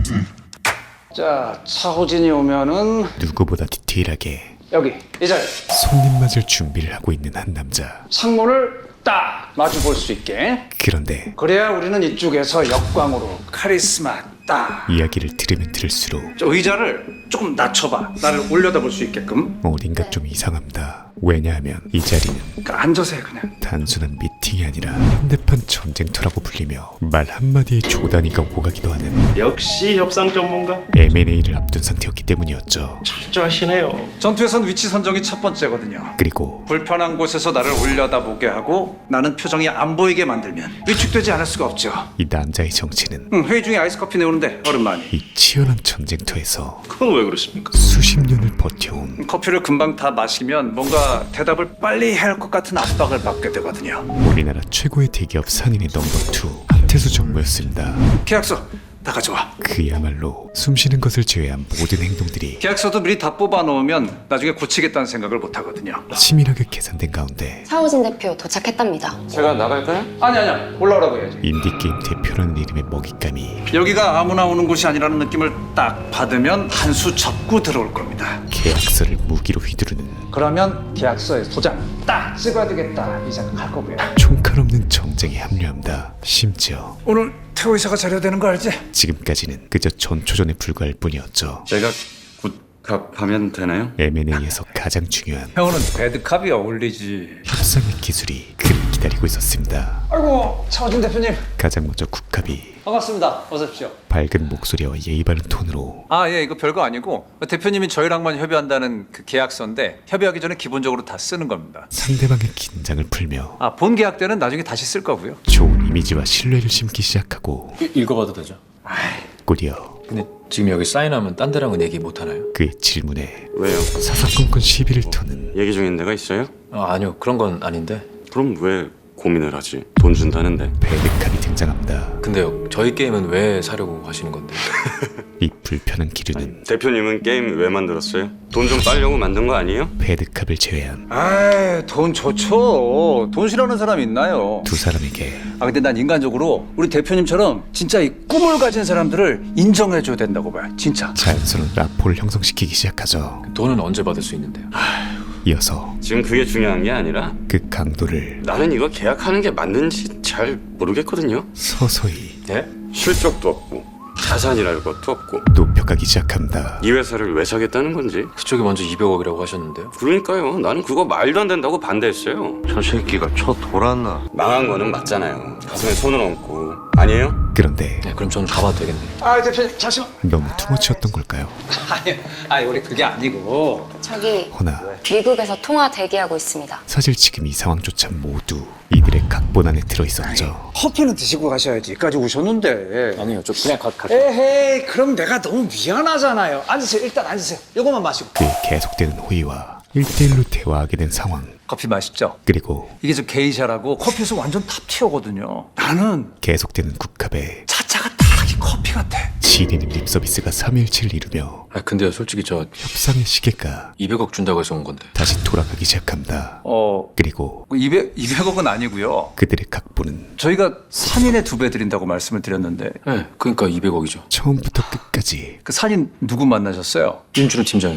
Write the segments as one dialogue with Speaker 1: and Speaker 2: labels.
Speaker 1: 자, 차호진이 오면은
Speaker 2: 누구보다 디테일하게
Speaker 1: 여기 이 자리
Speaker 2: 손님 맞을 준비를 하고 있는 한 남자.
Speaker 1: 창문을 딱 마주 볼 수 있게.
Speaker 2: 그런데
Speaker 1: 그래야 우리는 이쪽에서 역광으로 카리스마 딱.
Speaker 2: 이야기를 들으면 들을수록
Speaker 1: 저 의자를 조금 낮춰봐. 나를 올려다 볼 수 있게끔.
Speaker 2: 어딘가 좀 이상합니다. 왜냐하면 이 자리는
Speaker 1: 그러니까 앉아서 해 그냥.
Speaker 2: 단순한 미팅이 아니라 현대판 전쟁터라고 불리며 말 한마디에 조단위가 오고 가기도 하는
Speaker 3: 역시 협상 전문가
Speaker 2: M&A를 앞둔 상태였기 때문이었죠.
Speaker 3: 철저하시네요.
Speaker 1: 전투에선 위치 선정이 첫 번째거든요.
Speaker 2: 그리고
Speaker 1: 불편한 곳에서 나를 올려다보게 하고 나는 표정이 안 보이게 만들면 위축되지 않을 수가 없죠.
Speaker 2: 이 남자의 정체는
Speaker 1: 회의 중에 아이스 커피 내오는데 얼음 많이.
Speaker 2: 이 치열한 전쟁터에서
Speaker 3: 그건 왜 그렇습니까?
Speaker 2: 수십 년을 버텨온
Speaker 1: 커피를 금방 다 마시면 뭔가 대답을 빨리 해야 할 것 같은 압박을 받게 되거든요.
Speaker 2: 우리나라 최고의 대기업 산인의 넘버2 한태수 정모였습니다.
Speaker 1: 계약서 다 가져와.
Speaker 2: 그야말로 숨쉬는 것을 제외한 모든 행동들이
Speaker 1: 계약서도 미리 다 뽑아 놓으면 나중에 고치겠다는 생각을 못 하거든요.
Speaker 2: 치밀하게 계산된 가운데
Speaker 4: 차호진 대표 도착했답니다.
Speaker 5: 제가 나갈까요?
Speaker 1: 아니 올라오라고 해야지.
Speaker 2: 인디게임 대표라는 이름의 먹잇감이
Speaker 1: 여기가 아무나 오는 곳이 아니라는 느낌을 딱 받으면 한 수 접고 들어올 겁니다.
Speaker 2: 계약서를 무기로 휘두르는
Speaker 1: 그러면 계약서에 도장 딱 찍어야 되겠다 이 생각할 거고요.
Speaker 2: 총칼 없는 정쟁에 합류합니다. 심지어
Speaker 1: 오늘 태호 이사가 자려야 되는 거 알지?
Speaker 2: 지금까지는 그저 전초전에 불과할 뿐이었죠.
Speaker 5: 제가 굿갑하면 되나요?
Speaker 2: M&A에서 가장 중요한
Speaker 1: 형은 배드캅이 어울리지.
Speaker 2: 협상의 기술이 그를 기다리고 있었습니다.
Speaker 1: 아이고 차호진 대표님
Speaker 2: 가장 먼저 국합이
Speaker 1: 반갑습니다. 어서 오십시오.
Speaker 2: 밝은 목소리와 예의 바른 톤으로
Speaker 1: 아, 예, 이거 별거 아니고 대표님이 저희랑만 협의한다는 그 계약서인데 협의하기 전에 기본적으로 다 쓰는 겁니다.
Speaker 2: 상대방의 긴장을 풀며
Speaker 1: 아, 본 계약 때는 나중에 다시 쓸 거고요.
Speaker 2: 좋은 이미지와 신뢰를 심기 시작하고
Speaker 6: 읽어봐도 되죠?
Speaker 2: 꾸려
Speaker 6: 근데 지금 여기 사인하면 딴 데랑은 얘기 못 하나요?
Speaker 2: 그의 질문에
Speaker 5: 왜요?
Speaker 2: 사사건건 시비를 터는
Speaker 5: 얘기 중인 데가 있어요?
Speaker 6: 아니요 그런 건 아닌데.
Speaker 5: 그럼 왜 고민을 하지? 돈 준다는데.
Speaker 2: 배드캅이 등장합니다.
Speaker 6: 근데요 저희 게임은 왜 사려고 하시는 건데?
Speaker 2: 이 불편한 기류는
Speaker 5: 대표님은 게임 왜 만들었어요? 돈 좀 따려고 만든 거 아니에요?
Speaker 2: 배드캅을 제외한
Speaker 1: 아이, 돈 좋죠. 돈 싫어하는 사람 있나요?
Speaker 2: 두 사람에게
Speaker 1: 아, 근데 난 인간적으로 우리 대표님처럼 진짜 이 꿈을 가진 사람들을 인정해줘야 된다고 봐요. 진짜.
Speaker 2: 자연스러운 라포를 형성시키기 시작하죠.
Speaker 6: 돈은 언제 받을 수 있는데요?
Speaker 2: 이어서
Speaker 5: 지금 그게 중요한 게 아니라
Speaker 2: 그 강도를
Speaker 5: 나는 이거 계약하는 게 맞는지 잘 모르겠거든요.
Speaker 2: 서서히
Speaker 6: 예?
Speaker 5: 실적도 없고 자산이랄 것도 없고
Speaker 2: 높여가기 시작합니다.
Speaker 5: 이 회사를 왜 사겠다는 건지.
Speaker 6: 그쪽이 먼저 200억이라고 하셨는데요.
Speaker 5: 그러니까요. 나는 그거 말도 안 된다고 반대했어요.
Speaker 7: 저 새끼가 쳐 돌았나?
Speaker 5: 망한 거는 맞잖아요. 가슴에 손을 얹고. 아니에요?
Speaker 2: 그런데
Speaker 6: 네, 그럼 저는 가봐도 되겠네요.
Speaker 1: 아, 대표님, 잠시만.
Speaker 2: 너무 투머치였던 걸까요?
Speaker 1: 아니, 우리 그게 아니고.
Speaker 4: 저기
Speaker 2: 허나
Speaker 4: 미국에서 통화 대기하고 있습니다.
Speaker 2: 사실 지금 이 상황조차 모두 이들의 각본 안에 들어있었죠.
Speaker 1: 커피는 드시고 가셔야지.까지 오셨는데.
Speaker 6: 아니요 저 그냥
Speaker 1: 에헤이, 그럼 내가 너무 미안하잖아요. 앉으세요. 일단 앉으세요. 요거만 마시고.
Speaker 2: 그의 계속되는 호의와 1대1로 대화하게 된 상황.
Speaker 1: 커피 맛있죠?
Speaker 2: 그리고
Speaker 1: 이게 저 게이샤라고 커피에서 완전 탑티어거든요. 나는
Speaker 2: 계속되는 국합에
Speaker 1: 차차가 딱 이 커피 같아.
Speaker 2: 지리는 립서비스가 3일치를 이루며
Speaker 6: 근데요 솔직히 저
Speaker 2: 협상의 시계가
Speaker 6: 200억 준다고 해서 온 건데.
Speaker 2: 다시 돌아가기 시작합니다. 그리고
Speaker 1: 200억은 아니고요.
Speaker 2: 그들의 각본은
Speaker 1: 저희가 산인의 2배 드린다고 말씀을 드렸는데
Speaker 6: 네 그러니까 200억이죠.
Speaker 2: 처음부터 끝까지
Speaker 1: 그 산인 누구 만나셨어요?
Speaker 6: 윤준호 팀장이요.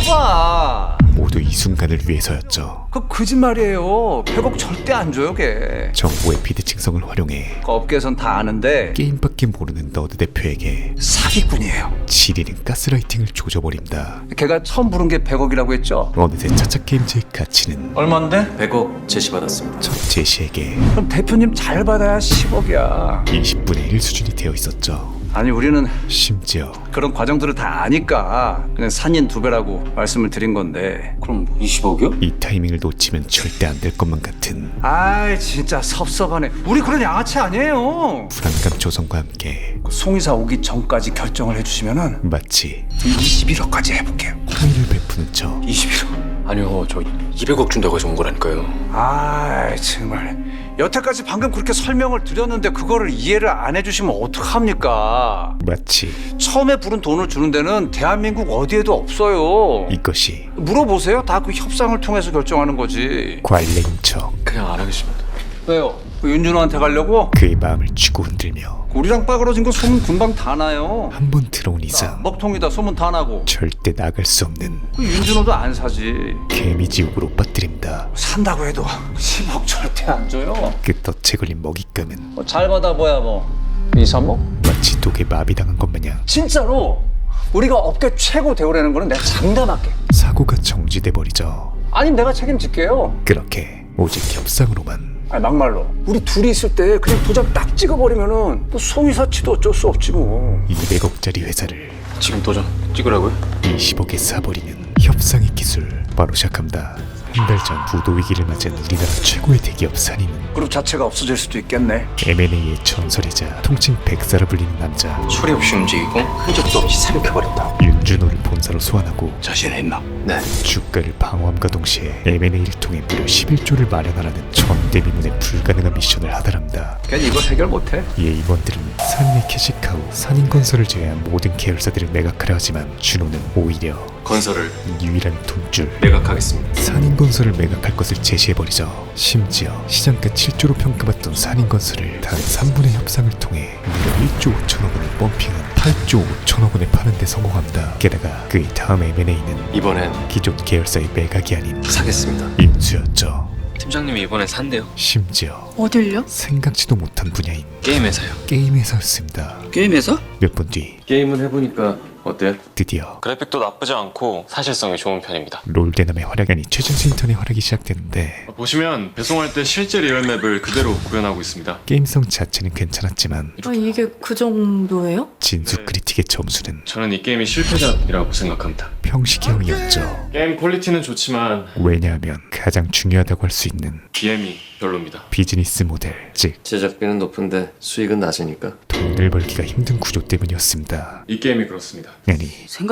Speaker 1: 거봐.
Speaker 2: 모두 이 순간을 위해서였죠.
Speaker 1: 그 거짓말이에요. 100억 절대 안 줘요, 걔.
Speaker 2: 정보의 비대칭성을 활용해
Speaker 1: 그 업계에선 다 아는데
Speaker 2: 게임밖에 모르는 너드 대표에게
Speaker 1: 사기꾼이에요.
Speaker 2: 지리는 가스라이팅을 조져버립니다.
Speaker 1: 걔가 처음 부른 게 100억이라고 했죠?
Speaker 2: 어느새 차차게임즈의 가치는
Speaker 1: 얼만데?
Speaker 6: 100억 제시받았습니다.
Speaker 2: 첫 제시에게
Speaker 1: 그럼 대표님 잘 받아야 10억이야.
Speaker 2: 20분의 1 수준이 되어 있었죠.
Speaker 1: 아니, 우리는
Speaker 2: 심지어
Speaker 1: 그런 과정들을 다 아니까 그냥 산인 2배라고 말씀을 드린 건데.
Speaker 6: 그럼 20억이요?
Speaker 2: 이 타이밍을 놓치면 절대 안 될 것만 같은
Speaker 1: 아이, 진짜 섭섭하네. 우리 그런 양아치 아니에요.
Speaker 2: 불안감 조성과 함께
Speaker 1: 송이사 오기 전까지 결정을 해주시면은
Speaker 2: 마치
Speaker 1: 21억까지 해볼게요.
Speaker 2: 호의를 베푸는 척
Speaker 6: 21억? 아니요 저 200억 준다고 해서 온 거라니까요.
Speaker 1: 아이, 정말 여태까지 방금 그렇게 설명을 드렸는데 그거를 이해를 안 해주시면 어떡합니까?
Speaker 2: 마치
Speaker 1: 처음에 부른 돈을 주는 데는 대한민국 어디에도 없어요.
Speaker 2: 이것이
Speaker 1: 물어보세요. 다 그 협상을 통해서 결정하는 거지.
Speaker 2: 관례인 척
Speaker 6: 그냥 안 하겠습니다.
Speaker 1: 왜요? 그 윤준호한테 가려고?
Speaker 2: 그의 마음을 쥐고 흔들며
Speaker 1: 우리랑 빠그러진 거 소문 금방 다 나요.
Speaker 2: 한 번 들어온 이상
Speaker 1: 먹통이다 소문 다 나고.
Speaker 2: 절대 나갈 수 없는
Speaker 1: 그 윤준호도 안 사지.
Speaker 2: 개미지옥으로 빠뜨린다.
Speaker 1: 산다고 해도 10억 절대 안 줘요.
Speaker 2: 끝덫에 걸린 먹잇감은
Speaker 1: 뭐 잘 받아봐야 뭐 2, 3억?
Speaker 2: 마치 독에 마비당한 것 마냥
Speaker 1: 진짜로 우리가 업계 최고 대우라는 거는 내가 장담할게.
Speaker 2: 사고가 정지돼 버리죠.
Speaker 1: 아니면 내가 책임질게요.
Speaker 2: 그렇게 오직 협상으로만
Speaker 1: 아니 막말로 우리 둘이 있을 때 그냥 도장 딱 찍어버리면은 뭐 소위사치도 어쩔 수 없지 뭐.
Speaker 2: 200억짜리 회사를
Speaker 6: 지금 도전 찍으라고요?
Speaker 2: 20억에 사버리는 협상의 기술 바로 시작합니다. 한 달 전 부도 위기를 맞은 우리나라 최고의 대기업 산인은
Speaker 1: 그룹 자체가 없어질 수도 있겠네.
Speaker 2: M&A의 전설이자 통칭 백사라 불리는 남자
Speaker 6: 소리 없이 움직이고 흔적도 없이 삼켜버린다.
Speaker 2: 윤준호를 본사로 소환하고
Speaker 6: 자신 있나? 네.
Speaker 2: 주가를 방어함과 동시에 M&A를 통해 무려 11조를 마련하라는 전대미문의 불가능한 미션을 하달합니다.
Speaker 1: 괜히 이거 해결 못해.
Speaker 2: 이에 임원들은 산인의 캐시카우, 산인건설을 제외한 모든 계열사들을 매각하려 하지만 준호는 오히려
Speaker 6: 건설을
Speaker 2: 유일한 돈줄
Speaker 6: 매각하겠습니다.
Speaker 2: 산인건설을 매각할 것을 제시해버리죠. 심지어 시장가 7조로 평가받던 산인건설을 단 3분의 협상을 통해 무려 1조 5천억 원을 펌핑한 8조 5천억 원에 파는 데 성공합니다. 게다가 그의 다음 M&A는
Speaker 6: 이번엔
Speaker 2: 기존 계열사의 매각이 아닌
Speaker 6: 사겠습니다.
Speaker 2: 인수였죠.
Speaker 6: 팀장님이 이번엔 산대요.
Speaker 2: 심지어
Speaker 8: 어딜요?
Speaker 2: 생각지도 못한 분야인
Speaker 6: 게임 회사요.
Speaker 2: 게임 회사였습니다.
Speaker 8: 게임 회사?
Speaker 2: 몇 분 뒤
Speaker 6: 게임을 해보니까 어때요?
Speaker 2: 드디어
Speaker 9: 그래픽도 나쁘지 않고 사실성이 좋은 편입니다.
Speaker 2: 롤대남의 활약이 아닌 최준수 인턴의 활약이 시작되는데
Speaker 9: 보시면 배송할 때 실제 리얼맵을 그대로 구현하고 있습니다.
Speaker 2: 게임성 자체는 괜찮았지만
Speaker 8: 아, 이게 그 정도예요?
Speaker 2: 진수 크리틱의 점수는
Speaker 9: 저는 이 게임이 실패작이라고 생각합니다.
Speaker 2: 평시형이었죠.
Speaker 9: 게임 퀄리티는 좋지만
Speaker 2: 왜냐하면 가장 중요하다고 할 수 있는
Speaker 9: BM이 별로입니다.
Speaker 2: 비즈니스 모델, 즉
Speaker 7: 제작비는 높은데 수익은 낮으니까.
Speaker 2: 돈을 벌기가 힘든 구조 때문이었습니다.
Speaker 9: 이 게임이 그렇습니다.
Speaker 2: 아니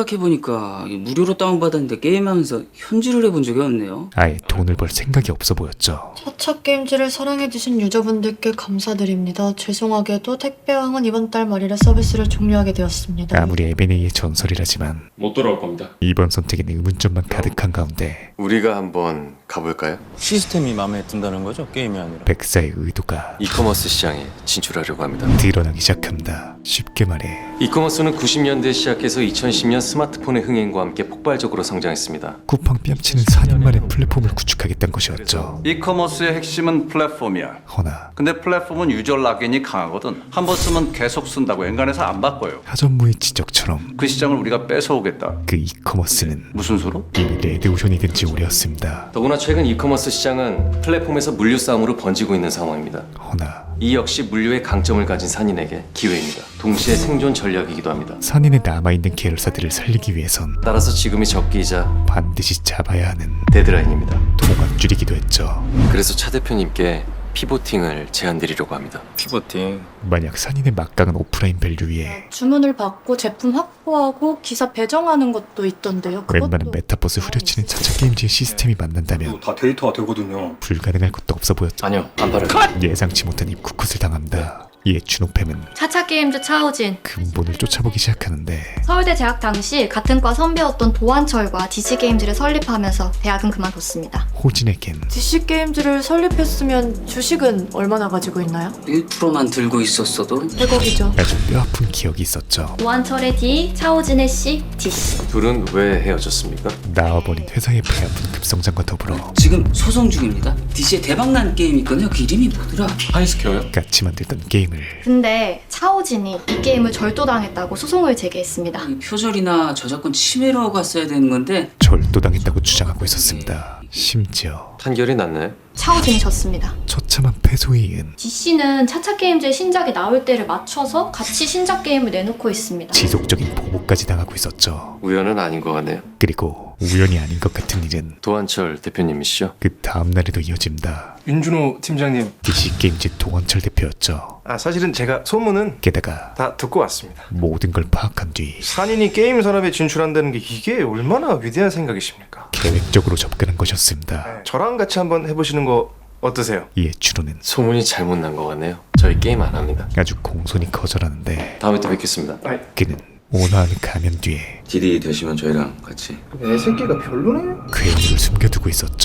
Speaker 10: 생각해보니까 무료로 다운받았는데 게임하면서 현질을 해본 적이 없네요.
Speaker 2: 아예 돈을 벌 생각이 없어 보였죠.
Speaker 8: 차차 게임즈를 사랑해주신 유저분들께 감사드립니다. 죄송하게도 택배왕은 이번 달 말일에 서비스를 종료하게 되었습니다.
Speaker 2: 아무리 M&A의 전설이라지만
Speaker 9: 못 돌아올 겁니다.
Speaker 2: 이번 선택엔 의문점만 가득한 가운데
Speaker 7: 우리가 한번 가볼까요?
Speaker 6: 시스템이 마음에 든다는 거죠? 게임이 아니라.
Speaker 2: 백사의 의도가
Speaker 7: 이커머스 시장에 진출하려고 합니다.
Speaker 2: 드러나기 시작합니다. 쉽게 말해
Speaker 7: 이커머스는 90년대에 시작해서 2010년 스마트폰의 흥행과 함께 폭발적으로 성장했습니다.
Speaker 2: 쿠팡 뺨치는 4년 만에 플랫폼을 구축하겠다는 것이었죠.
Speaker 1: 이커머스의 핵심은 플랫폼이야.
Speaker 2: 허나
Speaker 1: 근데 플랫폼은 유저 락인이 강하거든. 한 번 쓰면 계속 쓴다고 엔간해서 안 바꿔요.
Speaker 2: 하전무의 지적처럼
Speaker 1: 그 시장을 우리가 뺏어오겠다.
Speaker 2: 그 이커머스는
Speaker 1: 무슨 소로?
Speaker 2: 이미 레드오션이 된 지 오래였습니다.
Speaker 7: 더구나 최근 이커머스 시장은 플랫폼에서 물류 싸움으로 번지고 있는 상황입니다.
Speaker 2: 허나
Speaker 7: 이 역시 물류의 강점을 가진 산인에게 기회입니다. 동시에 생존 전략이기도 합니다.
Speaker 2: 산인에 남아있는 계열사들을 살리기 위해선
Speaker 7: 따라서 지금이 적기이자
Speaker 2: 반드시 잡아야 하는
Speaker 7: 데드라인입니다.
Speaker 2: 동학줄이기도 했죠.
Speaker 7: 그래서 차 대표님께 피보팅을 제안드리려고 합니다.
Speaker 6: 피버팅.
Speaker 2: 만약 산인의 막강한 오프라인 밸류 위에
Speaker 8: 주문을 받고 제품 확보하고 기사 배정하는 것도 있던데요.
Speaker 2: 웬만한 메타버스 후려치는 차차 게임즈의 시스템이 만난다면
Speaker 3: 다 데이터가 되거든요.
Speaker 2: 불가능할 것도 없어 보였죠.
Speaker 6: 아니요, 안 바래요.
Speaker 2: 예상치 못한 입쿠컷을 당합니다. 이에 준호팸은
Speaker 11: 차차 게임즈 차우진.
Speaker 2: 근본을 쫓아보기 시작하는데
Speaker 11: 서울대 재학 당시 같은 과 선배였던 도한철과 DC 게임즈를 설립하면서 대학은 그만뒀습니다.
Speaker 2: 호진에겐
Speaker 8: DC 게임즈를 설립했으면 주식은 얼마나 가지고 있나요?
Speaker 10: 1%만 들고 있었어도
Speaker 8: 100억이죠.
Speaker 2: 아주 뼈아픈 기억이 있었죠.
Speaker 11: 도한철의 D, 차우진의 C, DC.
Speaker 7: 둘은 왜 헤어졌습니까?
Speaker 2: 나와버린 회사의 배아픈 급성장과 더불어
Speaker 10: 지금 소송 중입니다. DC에 대박난 게임 있거든요. 그 이름이 뭐더라?
Speaker 9: 하이스퀘어요?
Speaker 2: 같이 만들던 게임을
Speaker 11: 근데 차우진이 이 게임을 절도당했다고 소송을 제기했습니다.
Speaker 10: 이 표절이나 저작권 침해로 갔어야 되는 건데
Speaker 2: 절도당했다고 주장하고 있었습니다. 심지어
Speaker 7: 판결이 났나요?
Speaker 11: 차우진이 졌습니다.
Speaker 2: 처참한 패소에 이은
Speaker 11: DC는 차차 게임즈의 신작이 나올 때를 맞춰서 같이 신작 게임을 내놓고 있습니다.
Speaker 2: 지속적인 보복까지 당하고 있었죠.
Speaker 7: 우연은 아닌 것 같네요.
Speaker 2: 그리고 우연이 아닌 것 같은 일은
Speaker 7: 도한철 대표님이시죠?
Speaker 2: 그 다음날에도 이어집니다.
Speaker 3: 윤준호 팀장님.
Speaker 2: DC 게임즈 동원철 대표였죠.
Speaker 3: 사실은 제가 소문은
Speaker 2: 게다가
Speaker 3: 다 듣고 왔습니다.
Speaker 2: 모든 걸 파악한 뒤
Speaker 3: 산인이 게임 산업에 진출한다는 게 이게 얼마나 위대한 생각이십니까?
Speaker 2: 계획적으로 접근한 것이었습니다.
Speaker 3: 저랑 같이 한번 해보시는 거 어떠세요?
Speaker 2: 이에 준호는
Speaker 7: 소문이 잘못 난 것 같네요. 저희 게임 안 합니다.
Speaker 2: 아주 공손히 거절하는데
Speaker 7: 다음에 또 뵙겠습니다.
Speaker 2: 그는 온화함을 가면 뒤에
Speaker 6: 딜이 되시면 저희랑 같이.
Speaker 3: 내 새끼가 별로네?
Speaker 2: 괴물을 숨겨두고 있었죠.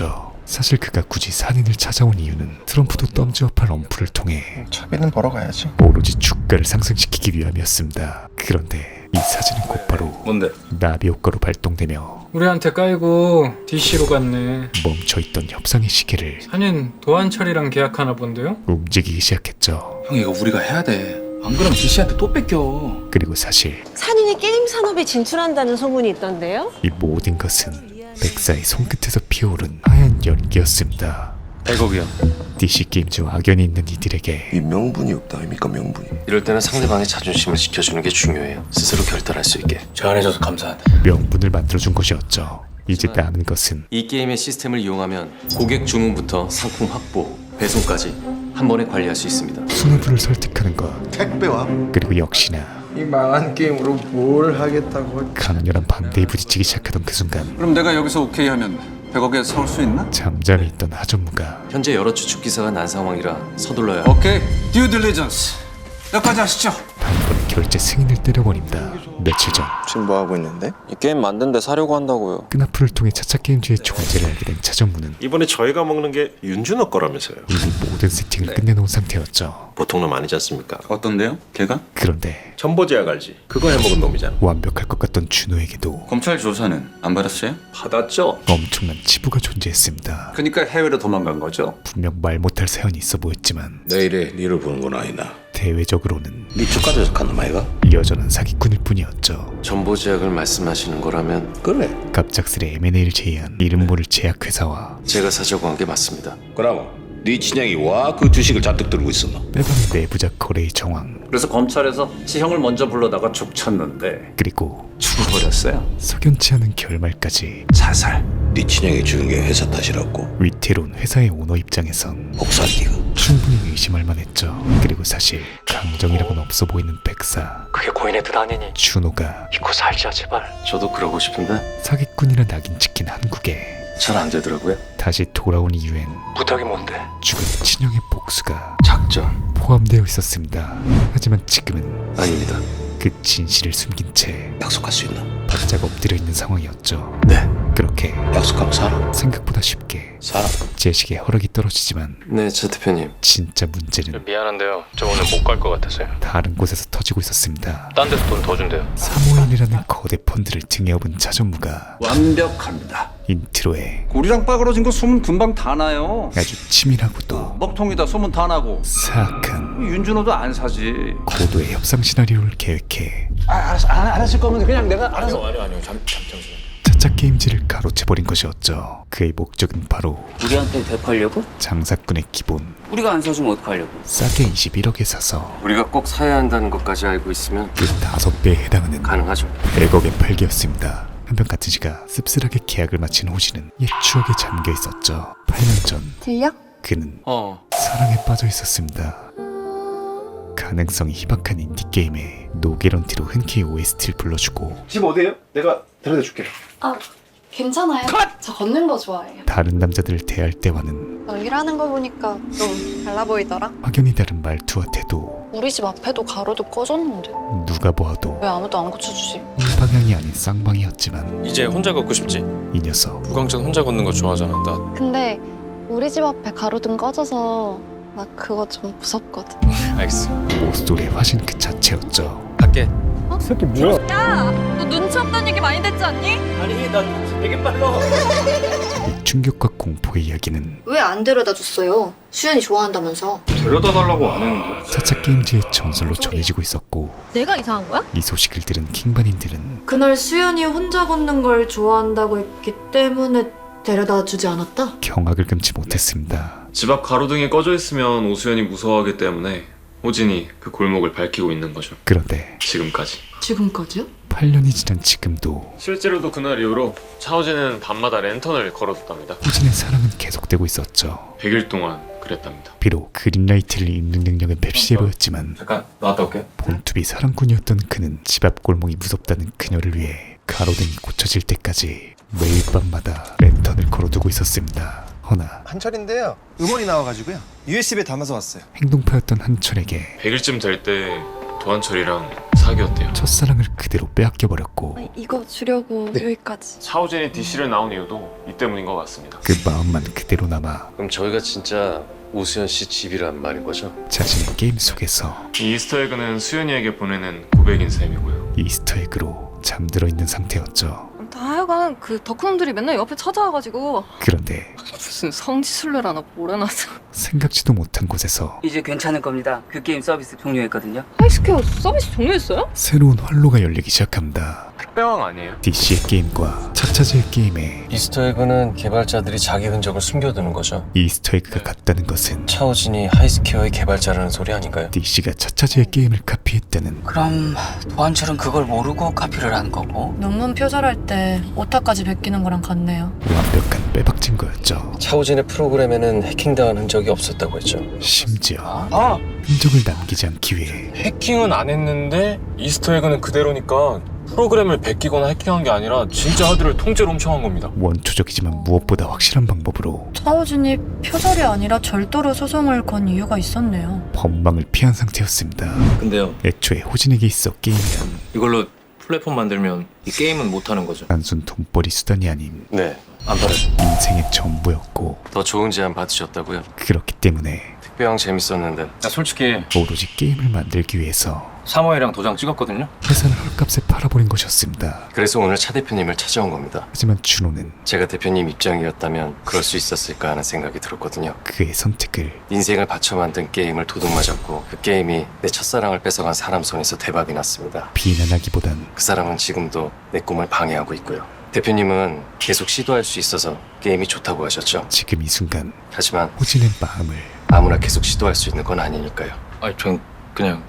Speaker 2: 사실 그가 굳이 산인을 찾아온 이유는 트럼프도 덤지업할 엄프를 통해
Speaker 3: 차비는 벌어가야지.
Speaker 2: 오로지 주가를 상승시키기 위함이었습니다. 그런데 이 사진은 곧바로
Speaker 6: 뭔데?
Speaker 2: 나비 효과로 발동되며
Speaker 12: 우리한테 깔고 DC로 갔네.
Speaker 2: 멈춰있던 협상의 시계를
Speaker 12: 산인 도한철이랑 계약하나 본데요?
Speaker 2: 움직이기 시작했죠.
Speaker 6: 형 이거 우리가 해야 돼. 안 그러면 DC한테 또 뺏겨.
Speaker 2: 그리고 사실
Speaker 13: 산인이 게임 산업에 진출한다는 소문이 있던데요?
Speaker 2: 이 모든 것은 백사의 손끝에서 피어오른 하얀 연기였습니다.
Speaker 6: 100억이요.
Speaker 2: DC 게임즈와 악연이 있는 이들에게
Speaker 3: 이 명분이 없다 아닙니까 명분이.
Speaker 7: 이럴 때는 상대방의 자존심을 지켜주는 게 중요해요. 스스로 결단할 수 있게.
Speaker 6: 제안해줘서 감사하다.
Speaker 2: 명분을 만들어준 것이었죠. 이제 남은 것은
Speaker 7: 이 게임의 시스템을 이용하면 고객 주문부터 상품 확보, 배송까지 한 번에 관리할 수 있습니다.
Speaker 2: 수뇌부를 설득하는 것,
Speaker 3: 택배와
Speaker 2: 그리고 역시나
Speaker 3: 이 망한 게임으로 뭘 하겠다고.
Speaker 2: 강렬한 반대에 부딪히기 시작하던 그 순간
Speaker 1: 그럼 내가 여기서 오케이 하면 100억에 사올 수 있나?
Speaker 2: 잠잠히 있던 하전무가
Speaker 7: 현재 여러 추측 기사가 난 상황이라 서둘러야
Speaker 1: 오케이, 듀 딜리전스 여기까지 하시죠.
Speaker 2: 단번에 결제 승인을 때려버립니다. 며칠 전
Speaker 3: 지금 뭐 하고 있는데?
Speaker 6: 이 게임 만든 데 사려고 한다고요.
Speaker 2: 끈앞풀을 통해 차차게임즈의 존재를 알게 된 차전무는
Speaker 9: 이번에 저희가 먹는 게 윤준호 거라면서요.
Speaker 2: 이미 모든 세팅을 끝내놓은 상태였죠.
Speaker 9: 보통 놈 아니지 않습니까?
Speaker 6: 어떤데요? 걔가?
Speaker 2: 그런데
Speaker 9: 전보제약 알지? 그거 해먹은 놈이잖아.
Speaker 2: 완벽할 것 같던 준호에게도
Speaker 6: 검찰 조사는 안 받았어요?
Speaker 1: 받았죠.
Speaker 2: 엄청난 치부가 존재했습니다.
Speaker 1: 그러니까 해외로 도망간 거죠.
Speaker 2: 분명 말 못할 사연이 있어 보였지만
Speaker 5: 내일에 니를 보는 건 아니다.
Speaker 2: 대외적으로는
Speaker 5: 니 축가도 적한 놈 아이가?
Speaker 2: 여전한 사기꾼일 뿐이었죠.
Speaker 7: 전보제약을 말씀하시는 거라면
Speaker 5: 그래.
Speaker 2: 갑작스레 M&A를 제의한 이름 모를 제약회사와
Speaker 7: 제가 사자고 한 게 맞습니다.
Speaker 5: 그럼 네 친형이 와 그 주식을 잔뜩 들고 있었나?
Speaker 2: 빼박는 내부자 거래의 정황,
Speaker 1: 그래서 검찰에서 지형을 먼저 불러다가 족쳤는데
Speaker 2: 그리고
Speaker 1: 죽어버렸어요.
Speaker 2: 석연치 않은 결말까지.
Speaker 1: 자살.
Speaker 5: 네 친형이 죽은 게 회사 탓이라고.
Speaker 2: 위태로운 회사의 오너 입장에선
Speaker 5: 복사기가.
Speaker 2: 충분히 의심할 만했죠. 그리고 사실 감정이라고는 없어 보이는 백사,
Speaker 6: 그게 고인의 뜻 아니니.
Speaker 2: 준호가
Speaker 6: 믿고 살자 제발.
Speaker 7: 저도 그러고 싶은데
Speaker 2: 사기꾼이라 낙인 찍힌 한국에
Speaker 7: 잘 안 되더라고요.
Speaker 2: 다시 돌아온 이유엔
Speaker 6: 부탁이 뭔데?
Speaker 2: 죽은 친형의 복수가
Speaker 7: 작전
Speaker 2: 포함되어 있었습니다. 하지만 지금은
Speaker 7: 아닙니다.
Speaker 2: 그 진실을 숨긴 채
Speaker 5: 약속할 수 있나?
Speaker 2: 바짝 엎드려 있는 상황이었죠.
Speaker 7: 네.
Speaker 2: 그렇게
Speaker 5: 약속하면 살아.
Speaker 2: 생각보다 쉽게
Speaker 5: 살아.
Speaker 2: 제식의 허락이 떨어지지만
Speaker 7: 네, 차 대표님.
Speaker 2: 진짜 문제는
Speaker 9: 미안한데요. 저 오늘 못 갈 것 같아서요.
Speaker 2: 다른 곳에서 터지고 있었습니다.
Speaker 9: 딴 데서 돈 더 준대요.
Speaker 2: 사모인이라는 거대 펀드를 등에 업은 차전무가
Speaker 1: 완벽합니다.
Speaker 2: 인트로에
Speaker 1: 우리랑 빠그러진 거 소문 금방 다 나요.
Speaker 2: 아주 치밀하고도
Speaker 1: 먹통이다 소문 다 나고.
Speaker 2: 사악한
Speaker 1: 윤준호도 안 사지.
Speaker 2: 고도의 협상 시나리오를 계획해
Speaker 1: 알았을 거면 그냥 내가 알아서.
Speaker 6: 아니요. 잠시만.
Speaker 2: 차차 게임즈를 가로채버린 것이었죠. 그의 목적은 바로
Speaker 10: 우리한테 되팔려고?
Speaker 2: 장사꾼의 기본
Speaker 10: 우리가 안 사주면 어떡하려고?
Speaker 2: 싸게 21억에 사서
Speaker 7: 우리가 꼭 사야 한다는 것까지 알고 있으면
Speaker 2: 그 5배에 해당하는
Speaker 7: 가능하죠.
Speaker 2: 100억의 팔기였습니다. 한편 가츠지가 씁쓸하게 계약을 마친 호시는 옛 추억에 잠겨 있었죠. 8년 전
Speaker 11: 들려?
Speaker 2: 그는 사랑에 빠져 있었습니다. 가능성이 희박한 인디게임에 노게런티로 흔쾌히 OST를 불러주고
Speaker 3: 집 어디에요? 내가 데려다 줄게.
Speaker 11: 아, 괜찮아요. 저 걷는 거 좋아해요.
Speaker 2: 다른 남자들을 대할 때와는
Speaker 11: 연기를 거 보니까 좀 달라 보이더라.
Speaker 2: 확연히 다른 말투와 태도.
Speaker 4: 우리 집 앞에도 가로도 꺼졌는데
Speaker 2: 누가 보아도
Speaker 4: 왜 아무도 안 고쳐주지?
Speaker 2: 방향이 아닌 쌍방이었지만
Speaker 9: 이제 혼자 걷고 싶지?
Speaker 2: 이 녀석
Speaker 9: 부광천 혼자 걷는 거 좋아하잖아. 나
Speaker 11: 근데 우리 집 앞에 가로등 꺼져서 나 그거 좀 무섭거든.
Speaker 9: 알겠어.
Speaker 2: 모쏠의 화신 그 자체였죠.
Speaker 9: 갈게.
Speaker 11: 너 눈치 없다는 얘기 많이 듣지 않니?
Speaker 10: 아니 나 되게 빨라.
Speaker 2: 이 충격과 공포의 이야기는
Speaker 11: 왜 안 데려다 줬어요? 수연이 좋아한다면서.
Speaker 9: 데려다 달라고 안 했는데.
Speaker 2: 차차 게임즈의 전설로 전해지고 있었고
Speaker 11: 내가 이상한 거야?
Speaker 2: 이 소식을 들은 킹반인들은
Speaker 8: 그날 수연이 혼자 걷는 걸 좋아한다고 했기 때문에 데려다 주지 않았다?
Speaker 2: 경악을 금치 못했습니다.
Speaker 9: 집 앞 가로등이 꺼져 있으면 오수연이 무서워하기 때문에 호진이 그 골목을 밝히고 있는 거죠.
Speaker 2: 그런데
Speaker 9: 지금까지.
Speaker 8: 지금까지요?
Speaker 2: 8년이 지난 지금도
Speaker 9: 실제로도 그날 이후로 차호진은 밤마다 랜턴을 걸어뒀답니다.
Speaker 2: 호진의 사랑은 계속되고 있었죠.
Speaker 9: 100일 동안 그랬답니다.
Speaker 2: 비록 그린라이트를 입는 능력은 맵시해 보였지만
Speaker 9: 잠깐 나왔다 올게.
Speaker 2: 본투비 사랑꾼이었던 그는 집 앞 골목이 무섭다는 그녀를 위해 가로등이 고쳐질 때까지 매일 밤마다 랜턴을 걸어두고 있었습니다. 허나
Speaker 3: 한철인데요. 음원이 나와가지고요. USB에 담아서 왔어요.
Speaker 2: 행동파였던 한철에게
Speaker 9: 100일쯤 될 때 도한철이랑 사기였대요.
Speaker 2: 첫사랑을 그대로 빼앗겨버렸고
Speaker 8: 이거 주려고 여기까지.
Speaker 9: 차오진이 DC를 나온 이유도 이 때문인 것 같습니다.
Speaker 2: 그 마음만 그대로 남아
Speaker 7: 그럼 저희가 진짜 오수연 씨 집이란 말인 거죠?
Speaker 2: 자신의 게임 속에서
Speaker 9: 이 이스터에그는 수연이에게 보내는 고백인 셈이고요.
Speaker 2: 이스터에그로 잠들어 있는 상태였죠.
Speaker 4: 다 하여간 그 덕후놈들이 맨날 옆에 찾아와가지고
Speaker 2: 그런데
Speaker 4: 무슨 성지순례라나 뭐라나서.
Speaker 2: 생각지도 못한 곳에서
Speaker 10: 이제 괜찮을 겁니다. 그 게임 서비스 종료했거든요.
Speaker 4: 하이스퀘어 서비스 종료했어요?
Speaker 2: 새로운 활로가 열리기 시작합니다.
Speaker 9: 택배왕 아니에요?
Speaker 2: DC의 게임과 차차즈의 게임에
Speaker 7: 이스터에그는 개발자들이 자기 흔적을 숨겨두는 거죠.
Speaker 2: 이스터에그가 같다는 것은
Speaker 7: 차오진이 하이스퀘어의 개발자라는 소리 아닌가요?
Speaker 2: DC가 차차즈의 게임을 카피했다는
Speaker 10: 그럼 도한철은 그걸 모르고 카피를 한 거고.
Speaker 8: 논문 표절할 때 오타까지 베끼는 거랑 같네요.
Speaker 2: 완벽한 빼박 증거였죠.
Speaker 7: 차오진의 프로그램에는 해킹당한 흔적이 없었다고 했죠.
Speaker 2: 심지어
Speaker 9: 아!
Speaker 2: 흔적을 남기지 않기 위해
Speaker 9: 해킹은 안 했는데 이스터에그는 그대로니까 프로그램을 베끼거나 해킹한 게 아니라 진짜 하드를 통째로 훔쳐간 겁니다.
Speaker 2: 원초적이지만 무엇보다 확실한 방법으로
Speaker 8: 차오진이 표절이 아니라 절도로 소송을 건 이유가 있었네요.
Speaker 2: 법망을 피한 상태였습니다.
Speaker 6: 근데요,
Speaker 2: 애초에 호진에게 있어 게임이란
Speaker 6: 이걸로 플랫폼 만들면 이 게임은 못하는 거죠?
Speaker 2: 단순 돈벌이 수단이 아닌
Speaker 7: 네, 안 팔아줘.
Speaker 2: 인생의 전부였고
Speaker 7: 더 좋은 제안 받으셨다고요?
Speaker 2: 그렇기 때문에
Speaker 7: 택배왕 재밌었는데
Speaker 6: 나 솔직히
Speaker 2: 오로지 게임을 만들기 위해서
Speaker 6: 사모예랑 도장 찍었거든요?
Speaker 2: 회사를 헐값에 팔아버린 것이었습니다.
Speaker 7: 그래서 오늘 차 대표님을 찾아온 겁니다.
Speaker 2: 하지만 준호는
Speaker 7: 제가 대표님 입장이었다면 그럴 수 있었을까 하는 생각이 들었거든요.
Speaker 2: 그의 선택을
Speaker 7: 인생을 바쳐 만든 게임을 도둑맞았고 그 게임이 내 첫사랑을 뺏어간 사람 손에서 대박이 났습니다.
Speaker 2: 비난하기보단
Speaker 7: 그 사람은 지금도 내 꿈을 방해하고 있고요. 대표님은 계속 시도할 수 있어서 게임이 좋다고 하셨죠.
Speaker 2: 지금 이 순간
Speaker 7: 하지만
Speaker 2: 호진의 마음을,
Speaker 7: 아무나 계속 시도할 수 있는 건 아니니까요.
Speaker 6: 아니 전 그냥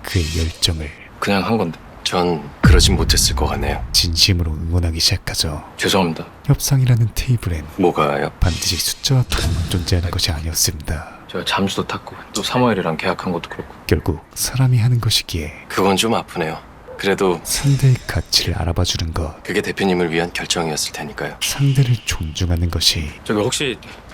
Speaker 2: 그의 열정을
Speaker 6: 한 건데.
Speaker 7: 전 그러진 못했을 것 같네요.
Speaker 2: 진심으로 응원하기 시작하죠.
Speaker 6: 죄송합니다.
Speaker 2: 협상이라는 테이블엔
Speaker 7: 뭐가요?
Speaker 2: 반드시 숫자와 돈만 존재하는 것이 아니었습니다.
Speaker 6: 제가 잠수도 탔고 또 사모예랑 계약한 것도 그렇고.
Speaker 2: 결국 사람이 하는 것이기에
Speaker 7: 그건 좀 아프네요. 그래도
Speaker 2: 상대의 가치를 알아봐주는 것,
Speaker 7: 그게 대표님을 위한 결정이었을 테니까요.
Speaker 2: 상대를 존중하는 것이
Speaker 6: 저기 혹시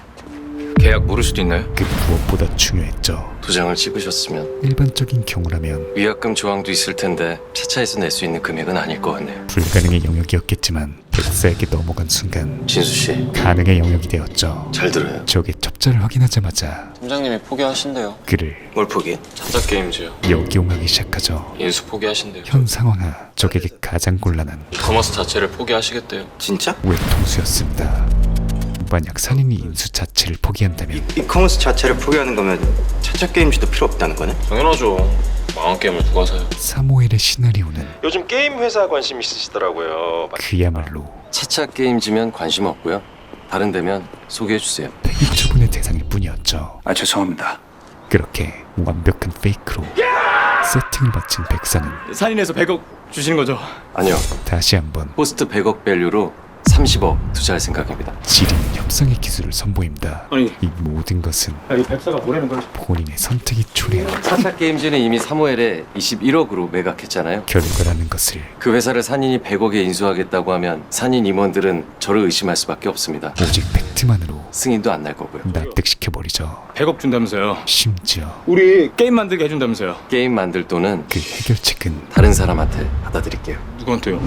Speaker 6: 계약 모를 수도 있나요?
Speaker 2: 그 무엇보다 중요했죠.
Speaker 7: 도장을 찍으셨으면
Speaker 2: 일반적인 경우라면
Speaker 7: 위약금 조항도 있을 텐데 차차에서 낼 수 있는 금액은 아닐 것 같네요.
Speaker 2: 불가능의 영역이었겠지만 백사에게 넘어간 순간
Speaker 7: 진수 씨,
Speaker 2: 가능의 영역이 되었죠.
Speaker 7: 잘 들어요.
Speaker 2: 적의 첩자를 확인하자마자
Speaker 6: 팀장님이 포기하신대요.
Speaker 2: 그를
Speaker 7: 뭘 포기?
Speaker 6: 차차 게임즈요.
Speaker 2: 역이용하기 시작하죠.
Speaker 6: 인수 포기하신대요.
Speaker 2: 현 상황하 적에게 가장 곤란한
Speaker 6: 커머스 자체를 포기하시겠대요.
Speaker 7: 진짜?
Speaker 2: 외통수였습니다. 만약 산인이 인수 자체를 포기한다면
Speaker 3: 이커머스 자체를 포기하는 거면 차차 게임즈도 필요 없다는 거네?
Speaker 9: 당연하죠. 망한 게임을 누가 사요?
Speaker 2: 사모엘의 시나리오는
Speaker 3: 요즘 게임 회사 관심 있으시더라고요.
Speaker 2: 그야말로
Speaker 7: 차차 게임즈면 관심 없고요. 다른 데면 소개해주세요.
Speaker 2: 폐기 처분의 대상일 뿐이었죠.
Speaker 1: 아 죄송합니다.
Speaker 2: 그렇게 완벽한 페이크로 세팅을 마친 백사는
Speaker 6: 산인에서 100억 주시는 거죠?
Speaker 7: 아니요.
Speaker 2: 다시 한번
Speaker 7: 포스트 100억 밸류로 30억 투자할 생각입니다.
Speaker 2: 지린 협상의 기술을 선보입니다.
Speaker 6: 아니.
Speaker 2: 이 모든 것은
Speaker 6: 이 백사가 뭐라는 거지?
Speaker 2: 본인의 선택이 초래한
Speaker 7: 차차 게임즈는 이미 사모엘에 21억으로 매각했잖아요.
Speaker 2: 결과라는 것을
Speaker 7: 그 회사를 산인이 100억에 인수하겠다고 하면 산인 임원들은 저를 의심할 수밖에 없습니다.
Speaker 2: 오직 팩트만으로
Speaker 7: 승인도 안 날 거고요.
Speaker 2: 납득시켜버리죠.
Speaker 6: 100억 준다면서요.
Speaker 2: 심지어
Speaker 6: 우리 게임 만들게 해준다면서요.
Speaker 7: 게임 만들 돈은
Speaker 2: 그 해결책은
Speaker 7: 다른 사람한테 받아드릴게요.
Speaker 6: 누구한테요?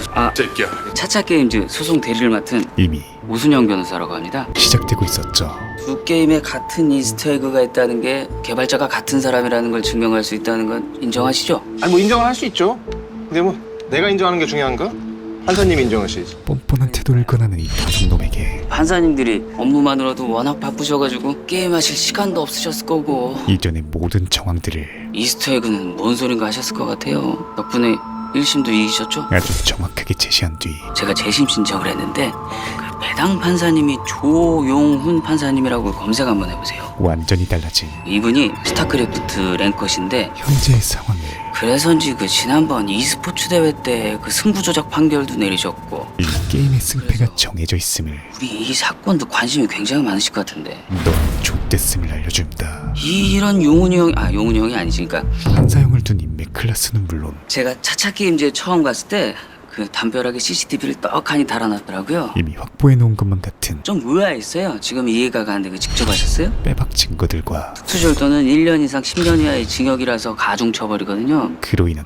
Speaker 10: 차차 게임즈 소송 대리를 맡은
Speaker 2: 이미
Speaker 10: 오순영 변호사라고 합니다.
Speaker 2: 시작되고 있었죠.
Speaker 10: 두 게임에 같은 이스터에그가 있다는 게 개발자가 같은 사람이라는 걸 증명할 수 있다는 건 인정하시죠?
Speaker 3: 아니 뭐 인정을 할 수 있죠. 근데 뭐 내가 인정하는 게 중요한가? 판사님이 인정하시지.
Speaker 2: 뻔뻔한 태도를 권하는 이 도둑놈에게
Speaker 10: 판사님들이 업무만으로도 워낙 바쁘셔가지고 게임하실 시간도 없으셨을 거고
Speaker 2: 이전의 모든 정황들을
Speaker 10: 이스터에그는 뭔 소린가 하셨을 것 같아요. 덕분에 1심도 이기셨죠?
Speaker 2: 아주 정확하게 제시한 뒤
Speaker 10: 제가 재심 신청을 했는데 그 배당 판사님이 조용훈 판사님이라고 검색 한번 해보세요.
Speaker 2: 완전히 달라진
Speaker 10: 이분이 스타크래프트 랭커신데
Speaker 2: 현재의 상황을
Speaker 10: 그래서인지 그 지난번 e스포츠 대회 때 그 승부 조작 판결도 내리셨고
Speaker 2: 이 게임의 승패가 정해져 있음을
Speaker 10: 우리 이 사건도 관심이 굉장히 많으실 것 같은데
Speaker 2: 넌 좆됐음을 알려줍니다.
Speaker 10: 이런 용훈이 형이 아니지. 그러니까
Speaker 2: 판사형을 둔 인맥 클래스는 물론
Speaker 10: 제가 차차 게임즈에 처음 갔을 때 그 담벼락에 CCTV를 떡하니 달아놨더라고요.
Speaker 2: 이미 확보해 놓은 것만 같은
Speaker 10: 좀 의아했어요. 지금 이해가 가는데 그 직접 하셨어요?
Speaker 2: 빼박 증거들과
Speaker 10: 특수절도는 1년 이상 10년 이하의 징역이라서 가중처벌이거든요.
Speaker 2: 그로 인한 후폭풍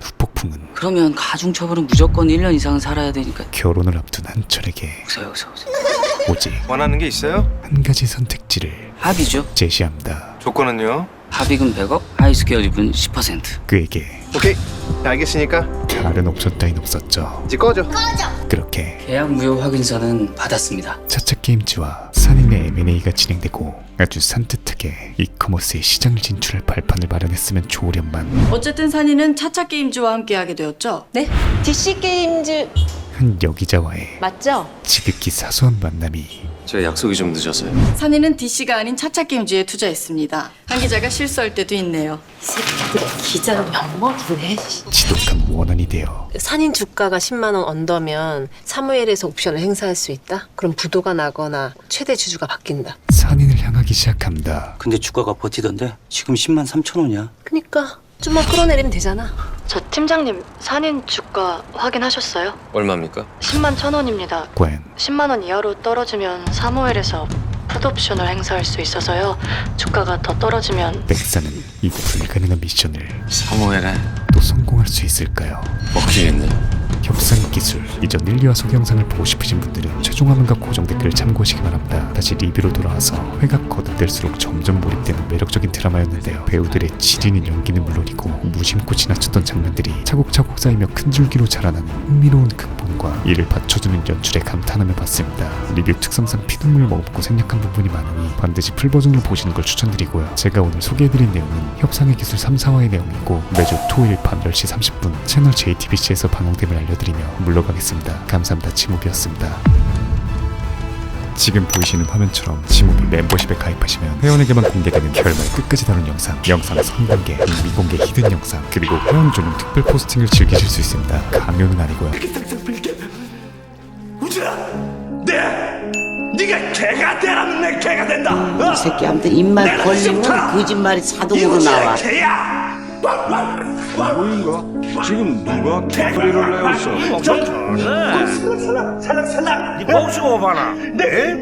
Speaker 2: 태풍은
Speaker 10: 그러면 가중처벌은 무조건 1년 이상 살아야 되니까.
Speaker 2: 결혼을 앞둔 한철에게
Speaker 10: 오세요.
Speaker 2: 오직
Speaker 3: 원하는 게 있어요?
Speaker 2: 한 가지 선택지를
Speaker 10: 합의죠.
Speaker 2: 제시합니다.
Speaker 3: 조건은요?
Speaker 10: 합의금 100억, 하이스퀘어 지분 10%.
Speaker 2: 그에게
Speaker 3: 오케이. 알겠으니까
Speaker 2: 다른 옵션 따윈 없었죠.
Speaker 3: 이제 꺼져.
Speaker 2: 그렇게
Speaker 10: 계약 무효 확인서는 받았습니다.
Speaker 2: 차차 게임즈와 산인의 M&A가 진행되고 아주 산뜻하게 이커머스의 시장 진출할 발판을 마련했으면 좋으련만
Speaker 14: 어쨌든 산이는 차차 게임즈와 함께하게 되었죠.
Speaker 13: 네? DC 게임즈
Speaker 2: 한 여기자와의
Speaker 13: 맞죠?
Speaker 2: 지극히 사소한 만남이
Speaker 7: 제가 약속이 좀 늦어서요.
Speaker 14: 산이는 DC가 아닌 차차 게임즈에 투자했습니다. 한 기자가 실수할 때도 있네요.
Speaker 13: 기자를 엿먹이네.
Speaker 2: 지독한 원한이 되어
Speaker 13: 산인 주가가 10만 원 언더면 사무엘에서 옵션을 행사할 수 있다? 그럼 부도가 나거나 최대 주주가 바뀐다.
Speaker 2: 산인을 향하기 시작합니다.
Speaker 10: 근데 주가가 버티던데 지금 10만 3천 원이야.
Speaker 13: 그니까 좀만 끌어내리면 되잖아.
Speaker 8: 저 팀장님, 산인 주가 확인하셨어요?
Speaker 7: 얼마입니까?
Speaker 8: 10만 1,000원입니다.
Speaker 2: 과연
Speaker 8: 10만 원 이하로 떨어지면 사무엘에서 풋옵션을 행사할 수 있어서요. 주가가 더 떨어지면
Speaker 2: 백사는 이 불가능한 미션을
Speaker 7: 사무엘에
Speaker 2: 또 성공할 수 있을까요?
Speaker 7: 먹히겠네요.
Speaker 2: 협상 기술 이전 1, 2화 소개 영상을 보고 싶으신 분들은 최종 화면과 고정 댓글을 참고하시기 바랍니다. 다시 리뷰로 돌아와서 회가 거듭될수록 점점 몰입되는 매력적인 드라마였는데요. 배우들의 지리는 연기는 물론이고 무심코 지나쳤던 장면들이 차곡차곡 쌓이며 큰 줄기로 자라나는 흥미로운 극본과 이를 받쳐주는 연출에 감탄하며 봤습니다. 리뷰 특성상 피눈물 머금고 생략한 부분이 많으니 반드시 풀버전으로 보시는 걸 추천드리고요. 제가 오늘 소개해드린 내용은 협상의 기술 3, 4화의 내용이고 매주 토요일 밤 10시 30분 채널 JTBC에서 방송됨을 알려드리며 물러가겠습니다. 감사합니다. 지무비였습니다. 지금 보이시는 화면처럼 지무비 멤버십에 가입하시면 회원에게만 공개되는 결말 끝까지 다룬 영상 선공개, 미공개 히든 영상, 그리고 회원 전용 특별 포스팅을 즐기실 수 있습니다. 강요는 아니고요.
Speaker 15: 네가 개가 되라면 내 개가 된다.
Speaker 10: 이 새끼 아무튼 입만 벌리면 거짓말이 자동으로 나와.
Speaker 15: 개야. 뭐인가? 지금 누가 개소리를 내었어? 살랑살랑. 네 목숨 봐라.